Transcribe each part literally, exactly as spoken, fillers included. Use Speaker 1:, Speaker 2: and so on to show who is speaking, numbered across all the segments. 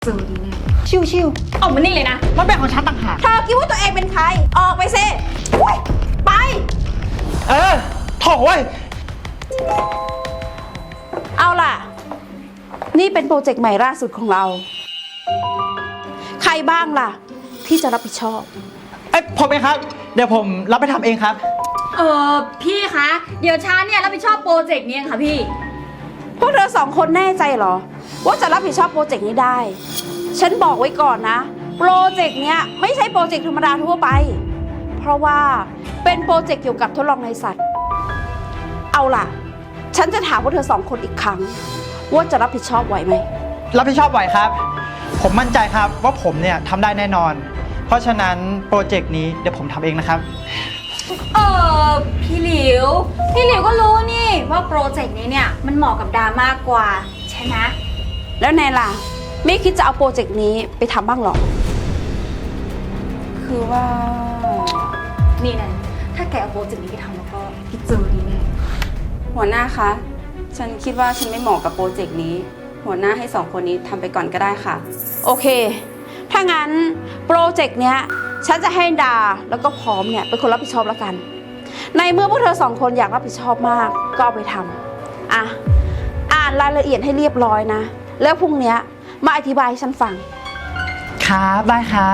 Speaker 1: เจอดีแน่
Speaker 2: ชิว
Speaker 1: ออกมานี่เลยนะ
Speaker 2: ๆมันเป็นของฉันต่างหาก
Speaker 3: เธอคิดว่าตัวเองเป็นใคร ออกไปสิอุ๊ยไป
Speaker 2: เออโถ่เว้ย
Speaker 3: เอาล่ะ นี่เป็นโปรเจกต์ใหม่ล่าสุดของเรา ใครบ้างล่ะ ที่จะรับผิดชอบ
Speaker 2: เอ้ยผมเองครับ เดี๋ยวผมรับไปทำเองครับ
Speaker 1: เออพี่คะ เดี๋ยวช้าเนี่ยรับผิดชอบโปรเจกต์นี้เองค่ะพี่
Speaker 3: พวกเธอสองคนแน่ใจเหรอ ว่าจะรับผิดชอบโปรเจกต์นี้ได้ ฉันบอกไว้ก่อนนะ โปรเจกต์เนี้ยไม่ใช่โปรเจกต์ธรรมดาทั่วไป เพราะว่าเป็นโปรเจกต์เกี่ยวกับทดลองในสัตว์ เอาล่ะ ฉันจะถามพวกเธอสองคนอีกครั้ง ว่าจะรับผิดชอบไหวไหม
Speaker 2: รับผิดชอบไหวครับ ผมมั่นใจครับว่าผมเนี่ยทำได้แน่นอน เพราะฉะนั้นโปรเจกต์นี้เดี๋ยวผมทำเองนะครับ
Speaker 1: เออพี่หลิว พี่หลิวก็รู้นี่ว่าโปรเจกต์นี้เนี่ยมันเหมาะกับดามากกว่าใช่ไหม
Speaker 3: แล้วแนนล่ะ ไม่คิดจะเอาโปรเจกต์นี้ไปทำบ้างหรอ
Speaker 1: คือว่า นี่นะถ้าแกเอาโปรเจกต์นี้ไปทำแล้วก็พี่เจอดีแน่
Speaker 4: หัวหน้าคะ ฉันคิดว่าฉันไม่เหมาะกับโปรเจกต์นี้ หัวหน้าให้สองคนนี้ทำไปก่อนก็ได้ค่ะ
Speaker 3: โอเค ถ้างั้นโปรเจกต์เนี้ยฉันจะให้ดาแล้วก็พร้อมเนี่ยเป็นคนรับผิดชอบแล้วกัน ในเมื่อพวกเธอสองคนอยากรับผิดชอบมากก็เอาไปทำอ่ะ อ่านรายละเอียดให้เรียบร้อยนะ แล้วพรุ่งเนี้ยมาอธิบายให้ฉันฟัง
Speaker 2: ครับ ได้ครับ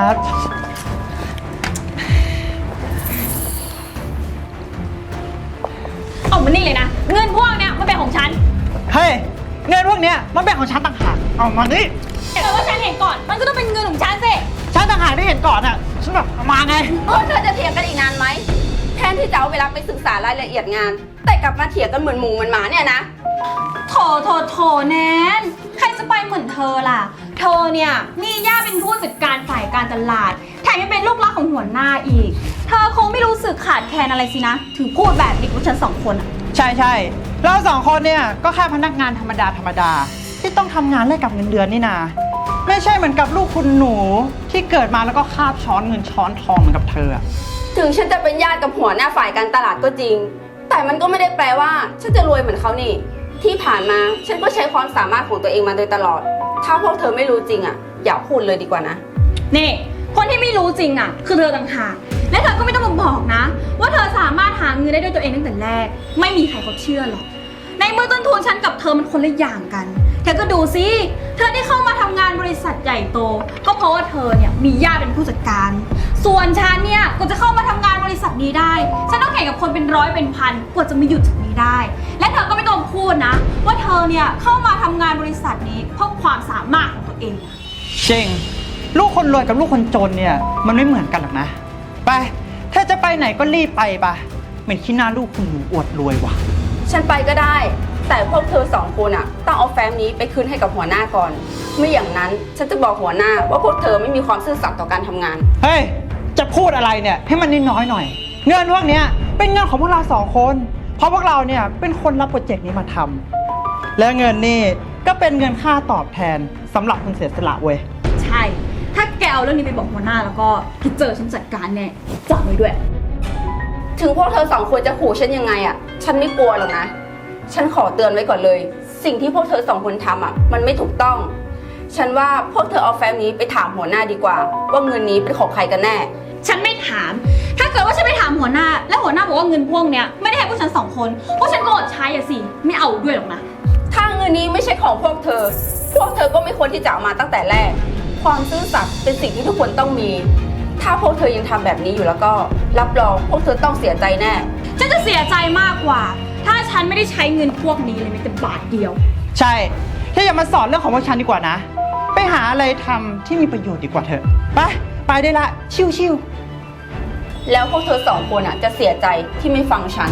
Speaker 1: ออกมานี่เลยนะ เงินพวกเนี้ยมันเป็นของฉัน
Speaker 2: เฮ้ย เงินพวกเนี้ยมันเป็นของฉันต่างหาก เอามานี่
Speaker 1: แต่ว่าฉันเห็นก่อน มันก็ต้องเป็นเงินของฉันสิ
Speaker 2: ฉันต่างหากที่เห็นก่อนอ่ะ ฉันแบบเอามาไง
Speaker 4: พวกเธอจะเถียงกันอีกนานไหม แทนที่จะเอาเวลาไปศึกษารายละเอียดงาน แต่กลับมาเถียงกันเหมือนหมูเหมือนหมาเนี่ยนะ
Speaker 1: โถโถโถแนนใครจะไปเหมือนเธอล่ะ เธอเนี่ยมีย่าเป็นผู้จัดการฝ่ายการตลาด แถมยังเป็นลูกรักของหัวหน้าอีก เธอคงไม่รู้สึกขาดแคลนอะไรสินะ ถึงพูดแบบนี้กับฉันสองคนอะ
Speaker 2: ใช่ใช่เราสองคนเนี่ยก็แค่พนักงานธรรมดาธรรมดาที่ต้องทำงานแลกกับเงินเดือนนี่นา ไม่ใช่เหมือนกับลูกคุณหนูที่เกิดมาแล้วก็คาบช้อนเงินช้อนทองเหมือนกับเธออะ
Speaker 4: ถึงฉันจะเป็นญาติกับหัวหน้าฝ่ายการตลาดก็จริง แต่มันก็ไม่ได้แปลว่า ฉันจะรวยเหมือนเขานี่ ที่ผ่านมาฉันก็ใช้ความสามารถของตัวเองมาโดยตลอด ถ้าพวกเธอไม่รู้จริงอ่ะ อย่าพูดเลยดีกว่านะ
Speaker 1: นี่คนที่ไม่รู้จริงอะคือเธอต่างหากและเธอก็ไม่ต้องมาบอกนะ ว่าเธอสามารถหาเงินได้ด้วยตัวเองตั้งแต่แรก ไม่มีใครเขาเชื่อหรอก ในเมื่อต้นทุนฉันกับเธอมันคนละอย่างกันเธอก็ดูสิเธอที่เข้ามาทำงานบริษัทใหญ่โต ก็เพราะว่าเธอเนี่ยมีญาติเป็นผู้จัดการ ส่วนฉันเนี่ยก็จะเข้ามาทำงานบริษัทนี้ได้ ฉันต้องแข่งกับคนเป็นร้อยเป็นพันกว่าจะมาหยุดจุดนี้ได้ และเธอก็ไม่ต้องพูดนะ ว่าเธอเนี่ยเข้ามาทำงานบริษัทนี้เพราะความสามารถของตัวเอง
Speaker 2: จริง ลูกคนรวยกับลูกคนจนเนี่ยมันไม่เหมือนกันหรอกนะ ไป ถ้าจะไปไหนก็รีบไปปะเหมือนขี้หน้าลูกคุณหนูอวดรวยว่ะ
Speaker 4: ฉันไปก็ได้ แต่พวกเธอสองคนอ่ะต้องเอาแฟ้มนี้ไปคืนให้กับหัวหน้าก่อน ไม่อย่างนั้นฉันจะบอกหัวหน้าว่าพวกเธอไม่มีความซื่อสัตย์ต่อการทำงาน
Speaker 2: เฮ้ย จะพูดอะไรเนี่ยให้มันน้อยๆหน่อย เงินพวกเนี้ยเป็นเงินของพวกเราสองคน เพราะพวกเราเนี่ยเป็นคนรับโปรเจกต์นี้มาทำและเงินนี่ก็เป็นเงินค่าตอบแทนสำหรับคนเสียสละเว้ย
Speaker 1: ใช่ ถ้าแกเอาเรื่องนี้ไปบอกหัวหน้าแล้วก็พี่เจอฉันจัดการแน่จำไว้ด้วย
Speaker 4: ถึงพวกเธอสองคนจะขู่ฉันยังไงอ่ะ ฉันไม่กลัวหรอกนะ ฉันขอเตือนไว้ก่อนเลย สิ่งที่พวกเธอสองคนทำอ่ะ มันไม่ถูกต้อง ฉันว่าพวกเธอเอาแฟ้มนี้ไปถามหัวหน้าดีกว่า ว่าเงินนี้เป็นของใครกันแน่
Speaker 1: ฉันไม่ถาม ถ้าเกิดว่าฉันไปถามหัวหน้า แล้วหัวหน้าบอกว่าเงินพวกเนี้ยไม่ได้ให้พวกฉันสองคน พวกฉันก็อดใช้อะสิ ไม่เอาด้วยหรอกนะ
Speaker 4: ถ้าเงินนี้ไม่ใช่ของพวกเธอ พวกเธอก็ไม่ควรที่จะเอามาตั้งแต่แรก ความซื่อสัตย์เป็นสิ่งที่ทุกคนต้องมี ถ้าพวกเธอยังทำแบบนี้อยู่แล้วก็ รับรองพวกเธอต้องเสียใจแน่
Speaker 1: ฉันจะเสียใจมากกว่า ถ้าฉันไม่ได้ใช้เงินพวกนี้เลยแม้แต่บาทเดียว
Speaker 2: ใช่ถ้าอย่ามาสอนเรื่องของพวกฉันดีกว่านะ ไปหาอะไรทำที่มีประโยชน์ดีกว่าเถอะ ไป ไปได้ละ ชิวๆ
Speaker 4: แล้วพวกเธอสองคนอ่ะจะเสียใจที่ไม่ฟังฉัน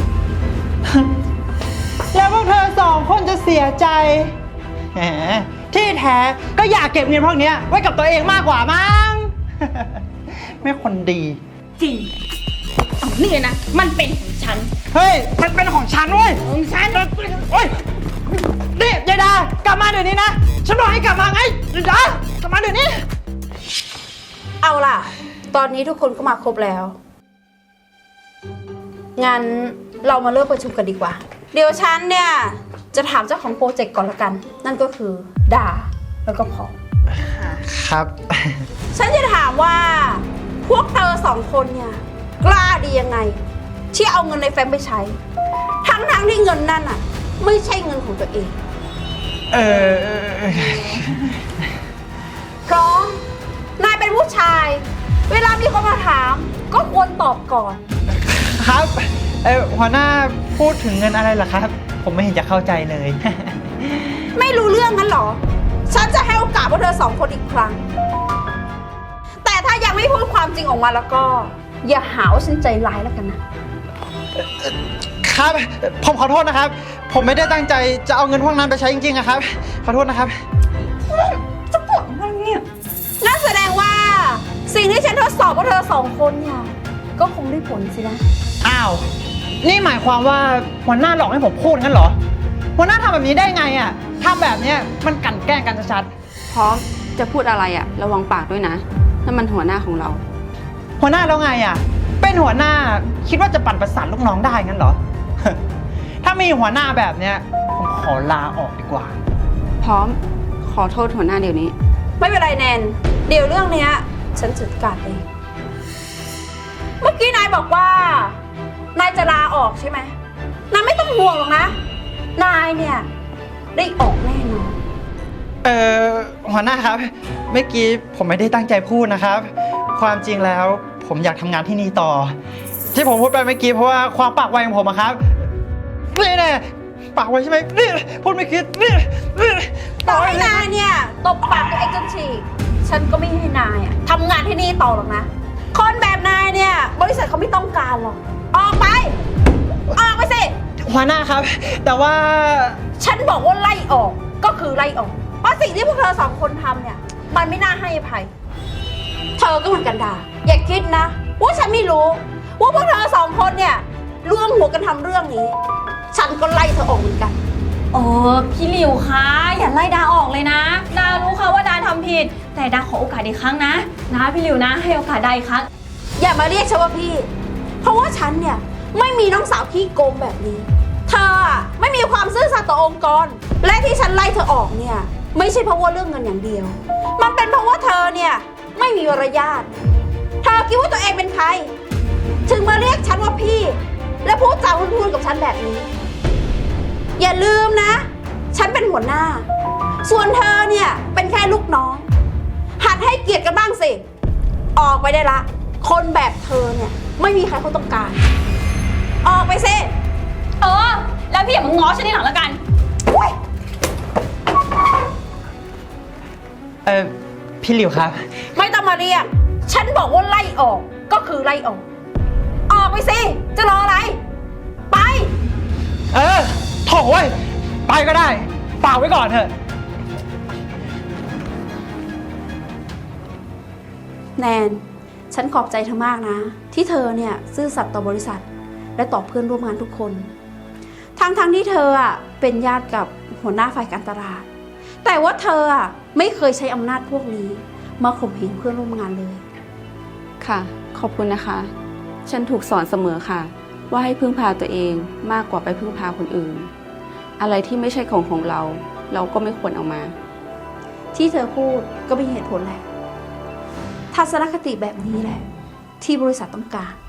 Speaker 2: แล้วพวกเธอสองคนจะเสียใจแหมที่แท้ก็อยากเก็บเงินพวกเนี้ยไว้กับตัวเองมากกว่ามั้ง ไม่คนดี
Speaker 1: จริงเอานี่เลยนะ มันเป็นของฉัน
Speaker 2: เฮ้ย มันเป็นของฉันเว้ย
Speaker 1: ของฉัน
Speaker 2: โอ้ยนี่ยายดากลับมาเดี๋ยวนี้นะ ฉันบอกให้กลับมาไงยายดากลับมาเดี๋ยวนี้
Speaker 3: เอาล่ะ ตอนนี้ทุกคนก็มาครบแล้ว งั้นเรามาเริ่มประชุมกันดีกว่า เดี๋ยวฉันเนี่ยจะถามเจ้าของโปรเจกต์ก่อนละกัน นั่นก็คือดาแล้วก็พอ
Speaker 2: ครับ
Speaker 3: ฉันจะถามว่า พวกเธอสองคนเนี่ยกล้าดียังไง ที่เอาเงินในแฟ้มไปใช้ ทั้งทั้งๆที่เงินนั่นอ่ะ ไม่ใช่เงินของตัวเอง
Speaker 2: เออ
Speaker 3: เพราะนายเป็นผู้ชาย เวลามีคนมาถาม ก็ควรตอบก่อน
Speaker 2: ครับเออหัวหน้าพูดถึงเงินอะไรเหรอครับ ผมไม่เห็นจะเข้าใจเลย
Speaker 3: ไม่รู้เรื่องงั้นเหรอ ฉันจะให้โอกาสพวกเธอสองคนอีกครั้ง แต่ถ้ายังไม่พูดความจริงออกมาแล้วก็ อย่าหาว่าฉันใจร้ายแล้วกันนะ
Speaker 2: ครับ ผมขอโทษนะครับ ผมไม่ได้ตั้งใจจะเอาเงินพวกนั้นไปใช้จริงๆอะครับ ขอโทษนะครับ
Speaker 3: จะปวดมันเนี่ยนั่นแสดงว่า สิ่งที่ฉันทดสอบพวกเธอสองคนเนี่ย ก็คงได้ผลสินะ
Speaker 2: อ้าว นี่หมายความว่าหัวหน้าหลอกให้ผมพูดงั้นเหรอ หัวหน้าทำแบบนี้ได้ไงอะทำแบบเนี้ยมันกลั่นแกล้งกันชัด
Speaker 4: พร้อมจะพูดอะไรอะระวังปากด้วยนะนั่นมันหัวหน้าของเรา
Speaker 2: ๆหัวหน้าแล้วไงอะเป็นหัวหน้าคิดว่าจะปั่นประสานลูกน้องได้งั้นเหรอ ถ้ามีหัวหน้าแบบเนี้ยผมขอลาออกดีกว่า
Speaker 4: พร้อมขอโทษหัวหน้าเดี๋ยวนี้
Speaker 3: ไม่เป็นไรแนน เดี๋ยวเรื่องเนี้ย ฉันจัดการเอง เมื่อกี้นายบอกว่า นายจะลาออกใช่ไหมนายไม่ต้องห่วงหรอกนะ นายเนี่ยได้ออกแน่นอน
Speaker 2: เออหัวหน้าครับ เมื่อกี้ผมไม่ได้ตั้งใจพูดนะครับ ความจริงแล้วผมอยากทำงานที่นี่ต่อ ที่ผมพูดไปเมื่อกี้เพราะว่าความปากไวของผมอะครับนี่แน่ปากไวใช่ไหมนี่พูดไม่คิดนี่นี่
Speaker 3: ต่อให้นายเนี่ยตบปากตัวเองจนฉีกฉันก็ไม่ให้นายอะทำงานที่นี่ต่อหรอกนะ คนแบบนายเนี่ย บริษัทเขาไม่ต้องการหรอก ออกไป ออกไปสิ
Speaker 2: หัวหน้าครับ แต่ว่า
Speaker 3: ฉันบอกว่าไล่ออกก็คือไล่ออก เพราะสิ่งที่พวกเธอสองคนทำเนี่ย มันไม่น่าให้อภัย เธอก็เหมือนกันดา อย่าคิดนะ ว่าฉันไม่รู้ ว่าพวกเธอสองคนเนี่ยร่วมหัวกันทำเรื่องนี้ ฉันก็ไล่เธอออกเหมือนกัน
Speaker 1: เออพี่หลิวคะอย่าไล่ดาออกเลยนะ ดารู้ค่ะว่าดาทำผิด แต่ดาขอโอกาสอีกครั้งนะ นะพี่หลิวนะให้โอกาสดาอีกครั้ง
Speaker 3: อย่ามาเรียกฉันว่าพี่ เพราะว่าฉันเนี่ยไม่มีน้องสาวขี้โกงแบบนี้ เธออะไม่มีความซื่อสัตย์ต่อองค์กร และที่ฉันไล่เธอออกเนี่ย ไม่ใช่เพราะว่าเรื่องเงินอย่างเดียว มันเป็นเพราะว่าเธอเนี่ยไม่มีมารยาท เธอคิดว่าตัวเองเป็นใคร ถึงมาเรียกฉันว่าพี่ และพูดจาพูดๆกับฉันแบบนี้ อย่าลืมนะ ฉันเป็นหัวหน้า ส่วนเธอเนี่ยเป็นแค่ลูกน้อง หัดให้เกียรติกันบ้างสิ ออกไปได้ละ คนแบบเธอเนี่ยไม่มีใครเขาต้องการ ออกไปสิ
Speaker 1: เออ แล้วพี่อย่ามาง้อฉันทีหลังแล้วกัน
Speaker 3: อุ๊ย
Speaker 2: เออพี่หลิวครับ
Speaker 3: ไม่ต้องมาเรียก ฉันบอกว่าไล่ออกก็คือไล่ออก ออกไปสิ จะรออะไร ไป
Speaker 2: เออโถ่เว้ยไปก็ได้ฝากไว้ก่อนเถอะ
Speaker 3: แนน ฉันขอบใจเธอมากนะ ที่เธอเนี่ยซื่อสัตย์ต่อบริษัท และต่อเพื่อนร่วมงานทุกคน ทั้งๆทที่เธออ่ะเป็นญาติกับหัวหน้าฝ่ายการตลาด แต่ว่าเธออ่ะไม่เคยใช้อำนาจพวกนี้ มาข่มเหงเพื่อนร่วมงานเลย
Speaker 4: ค่ะ ขอบคุณนะคะ ฉันถูกสอนเสมอค่ะ ว่าให้พึ่งพาตัวเองมากกว่าไปพึ่งพาคนอื่น อะไรที่ไม่ใช่ของของเรา เราก็ไม่ควรเอามา
Speaker 3: ที่เธอพูดก็มีเหตุผลแหละ ทัศนคติแบบนี้แหละ ที่บริษัทต้องการ